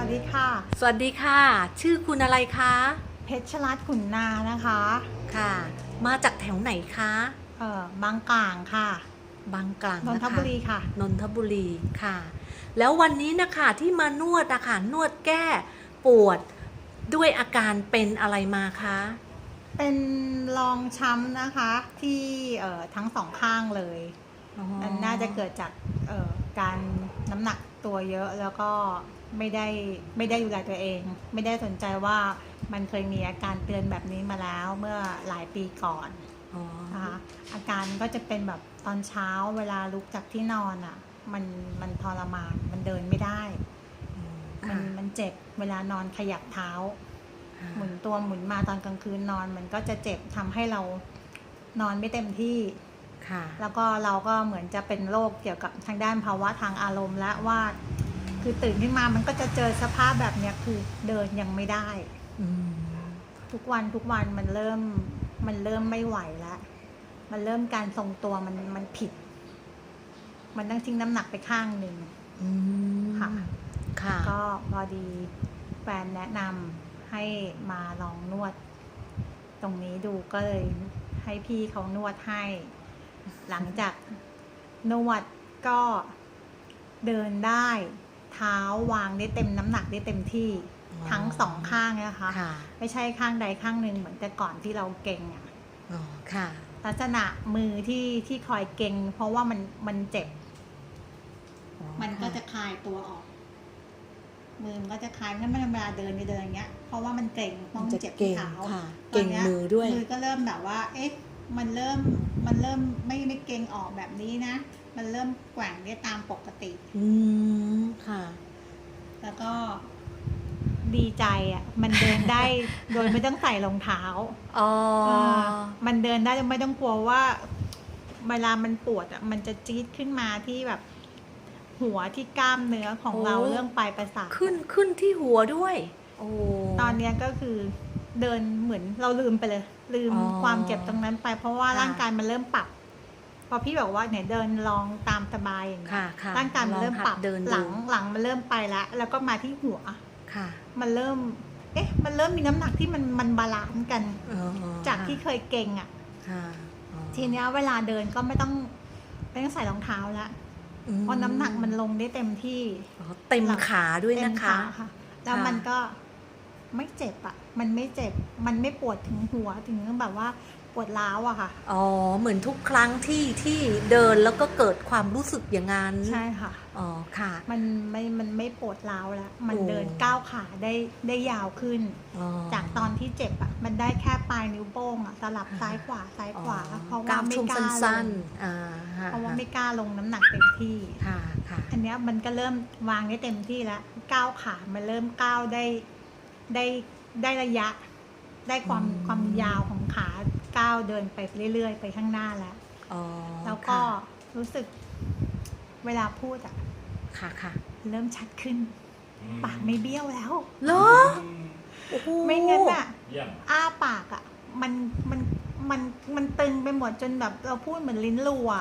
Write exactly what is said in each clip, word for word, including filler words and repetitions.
วัสดีค่ะสวัสดีค่ะชื่อคุณอะไรคะเพชรรัตน์ขุนนานะคะค่ะมาจากแถวไหนคะเอ่อบางกลางค่ะบางกลางนนนะคะทบุรีค่ะนนทบุรีค่ะแล้ววันนี้นะคะที่มานวดอะค่ะนวดแก้ปวดด้วยอาการเป็นอะไรมาคะเป็นรองช้ำนะคะที่เอ่อทั้งสองข้างเลยมันน่าจะเกิดจากเอ่อการน้ำหนักตัวเยอะแล้วก็ไม่ได้ไม่ได้ดูแลตัวเอง ไม่ได้สนใจว่ามันเคยมีอาการเตือนแบบนี้มาแล้วเมื่อหลายปีก่อนนะคะอาการก็จะเป็นแบบตอนเช้าเวลาลุกจากที่นอนอ่ะมันมันทรมานมันเดินไม่ได้มันมันเจ็บเวลานอนขยับเท้าหมุนตัวหมุนมาตอนกลางคืนนอนมันก็จะเจ็บทำให้เรานอนไม่เต็มที่แล้วก็เราก็เหมือนจะเป็นโรคเกี่ยวกับทางด้านภาวะทางอารมณ์และว่าคือตื่นขึ้นมามันก็จะเจอสภาพแบบเนี้ยคือเดินยังไม่ได้ทุกวันทุกวันมันเริ่มมันเริ่มไม่ไหวแล้วมันเริ่มการทรงตัวมันมันผิดมันต้องทิ้งน้ำหนักไปข้างหนึ่งค่ะค่ะก็พอดีแฟนแนะนำให้มาลองนวดตรงนี้ดูก็เลยให้พี่เขานวดให้หลังจากนวดก็เดินได้เท้าวางได้เต็มน้ำหนักได้เต็มที่ทั้งสองข้างนะคะไม่ใช่ข้างใดข้างหนึ่งเหมือนแต่ก่อนที่เราเก่งอ่ะลักษณะมือที่ที่คอยเก่งเพราะว่ามันมันเจ็บมันก็จะคลายตัวออกมือมันก็จะคลายไม่ไม่ธรรมดาเดินเดินอย่างเงี้ยเพราะว่ามันเก่งมันเจ็บที่เท้าเก่งมือด้วยมือก็เริ่มแบบว่าเอ๊ะมันเริ่มมันเริ่มไม่ไม่เก่งออกแบบนี้นะมันเริ่มแกว่งได้ตามปกติอืมค่ะแล้วก็ดีใจอ่ะมันเดินได้โดยไม่ต้องใส่รองเท้าอ๋อมันเดินได้ไม่ต้องกลัวว่าเวลามันปวดอ่ะมันจะจี๊ดขึ้นมาที่แบบหัวที่กล้ามเนื้อของเราเรื่องปลายประสาทขึ้นขึ้นที่หัวด้วยโอ้ตอนนี้ก็คือเดินเหมือนเราลืมไปเลยลืมความเจ็บตรงนั้นไปเพราะว่าร่างกายมันเริ่มปรับพอพี่บอกว่าเนี่ยเดินลองตามสบายอย่างเงี้ยร่างกายมันเริ่มปรับหลังหลังมันเริ่มไปแล้วแล้วก็มาที่หัวมันเริ่มเอ๊ะมันเริ่มมีน้ำหนักที่มันมันบาลานซ์กันจากที่เคยเก่งอ่ะทีนี้เวลาเดินก็ไม่ต้องไม่ต้องใส่รองเท้าแล้วเพราะน้ำหนักมันลงได้เต็มที่เต็มขาด้วยนะคะแล้วมันก็ไม่เจ็บอ่ะมันไม่เจ็บมันไม่ปวดถึงหัวถึงแบบว่าปวดร้าวอะค่ะอ๋อเหมือนทุกครั้งที่ที่เดินแล้วก็เกิดความรู้สึกอย่างนั้นใช่ค่ะอ๋อค่ะมันไม่มันไม่ปวดร้าวแล้วมันเดินก้าวขาได้ได้ยาวขึ้นจากตอนที่เจ็บอะมันได้แค่ปลายนิ้วโป้งอะสลับซ้ายขวาซ้ายขวาเพราะว่าไม่กล้าลงเพราะว่าไม่กล้าลงน้ำหนักเต็มที่ค่ะค่ะอันนี้มันก็เริ่มวางได้เต็มที่แล้วก้าวขามันเริ่มก้าวได้ได้ได้ระยะได้ความความยาวของขาก้าวเดินไปเรื่อยๆไปข้างหน้าแล้วแล้วก็รู้สึกเวลาพูดอ่ะค่ะค่ะเริ่มชัดขึ้นปากไม่เบี้ยวแล้วเหรอไม่งั้นอ่ะอ้าปากอ่ะมันมันมันมันตึงไปหมดจนแบบเราพูดเหมือนลิ้นรัว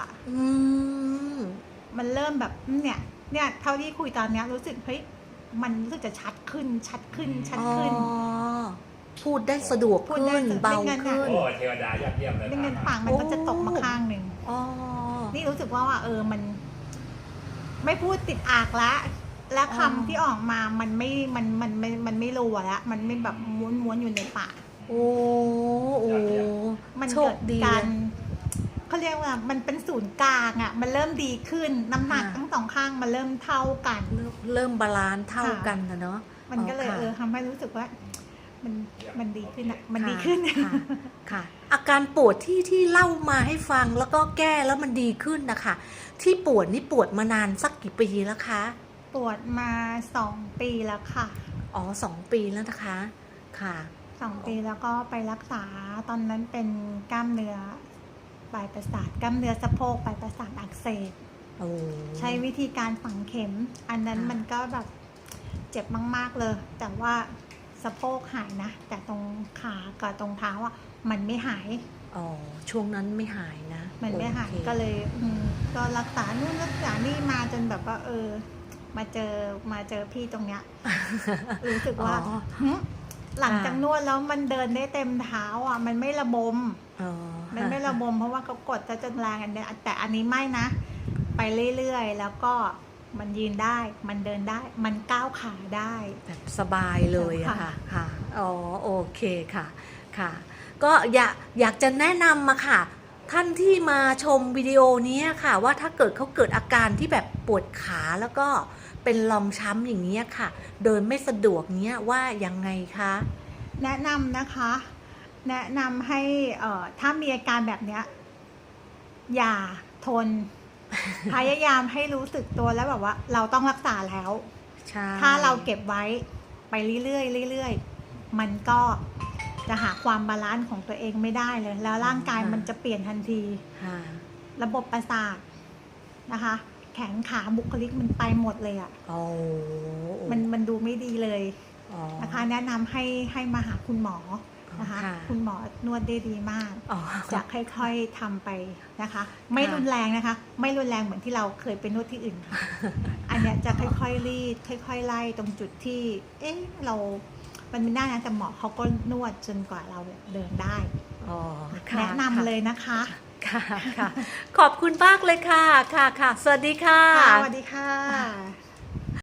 มันเริ่มแบบเนี่ยเนี่ยเท่าที่คุยตอนนี้รู้สึกเฮ้ยมันรู้สึกจะชัดขึ้นชัดขึ้นชัดขึ้นพูดได้สะดวกขึ้นเบาขึ้นโอ้เทวดายอดเยี่ยมเลยไม่งั้นปากมันก็จะตกมาข้างหนึ่งนี่รู้สึกว่าว่าเออมันไม่พูดติดอากละและคำที่ออกมามันไม่มันมันมันมันไม่รัวแล้วมันไม่แบบม้วนม้วนอยู่ในปากโอ้โอ้มันเกิดการเขาเรียกว่ามันเป็นศูนย์กลางอ่ะมันเริ่มดีขึ้นน้ำหนักทั้งสองข้างมันเริ่มเท่ากันเริ่มบาลานซ์เท่ากันนะเนาะมันก็เลยเออทำให้รู้สึกว่ามันมันดีขึ้นอ่ะมันดีขึ้นค่ะอาการปวดที่ที่เล่ามาให้ฟังแล้วก็แก้แล้วมันดีขึ้นนะคะที่ปวดนี่ปวดมานานสักกี่ปีแล้วคะปวดมาสองปีแล้วค่ะอ๋อสองปีแล้วนะคะค่ะสองปีแล้วก็ไปรักษาตอนนั้นเป็นกล้ามเนื้อปลายประสาทกล้ามเนื้อสะโพกปลายประสาทอักเสบใช้วิธีการฝังเข็มอันนั้นมันก็แบบเจ็บมากๆเลยแต่ว่าสะโพกหายนะแต่ตรงขากับตรงเท้าอ่ะมันไม่หายอ๋อช่วงนั้นไม่หายนะมันไม่หายก็เลยอืมก็รักษานู่นรักษานี่มาจนแบบว่าเออมาเจอมาเจอพี่ตรงเนี้ย รู้สึกว่าอ๋อหึหลังจากค่ะนวดแล้วมันเดินได้เต็มเท้าอ่ะ มันไม่ระบมอ๋อมันไม่ระบมเพราะว่าเขากดจะจนแรงอันเนี้ยแต่อันนี้ไม่นะ ไปเรื่อยๆแล้วก็มันยืนได้ มันเดินได้ มันก้าวขาได้แบบสบายเลยอะค่ะค่ะค่ะอ๋อโอเคค่ะค่ะ ก็อยากอยากจะแนะนำมาค่ะ ท่านที่มาชมวิดีโอนี้ค่ะ ว่าถ้าเกิดเขาเกิดอาการที่แบบปวดขาแล้วก็เป็นรองช้ำอย่างนี้ยค่ะ เดินไม่สะดวกเนี้ยว่ายังไงคะแนะนำนะคะ แนะนำให้เอ่อถ้ามีอาการแบบเนี้ยอย่าทน พยายามให้รู้สึกตัวแล้วแบบว่า เราต้องรักษาแล้วใช่ถ้าเราเก็บไว้ไปเรื่อยๆเรื่อยๆมันก็จะหาความบาลานซ์ของตัวเองไม่ได้เลย แล้วร่างกายมันจะเปลี่ยนทันทีค่ะระบบประสาทนะคะ แขนขาบุคลิกมันไปหมดเลยอะ่ะโอ้มันมันดูไม่ดีเลยอ๋อนะคะ แนะนำให้ให้มาหาคุณหมอนะคะค่ะคุณหมอนวดได้ดีมากอ๋อจะค่อยๆทำไปนะคะ ไม่รุนแรงนะคะ ไม่รุนแรงเหมือนที่เราเคยไปนวดที่อื่นค่ะ อันเนี้ยจะค่อยๆรีดค่อยๆไล่ตรงจุดที่ เอ๊ะเรา มันไม่ได้นะแต่หมอเขาก็นวดจนกว่าเราเดินได้อ๋อค่แนะนำเลยนะคะค่ะค่ะ ขอบคุณมากเลยค่ะค่ะค่ะ สวัสดีค่ะค่ะสวัสดีค่ะ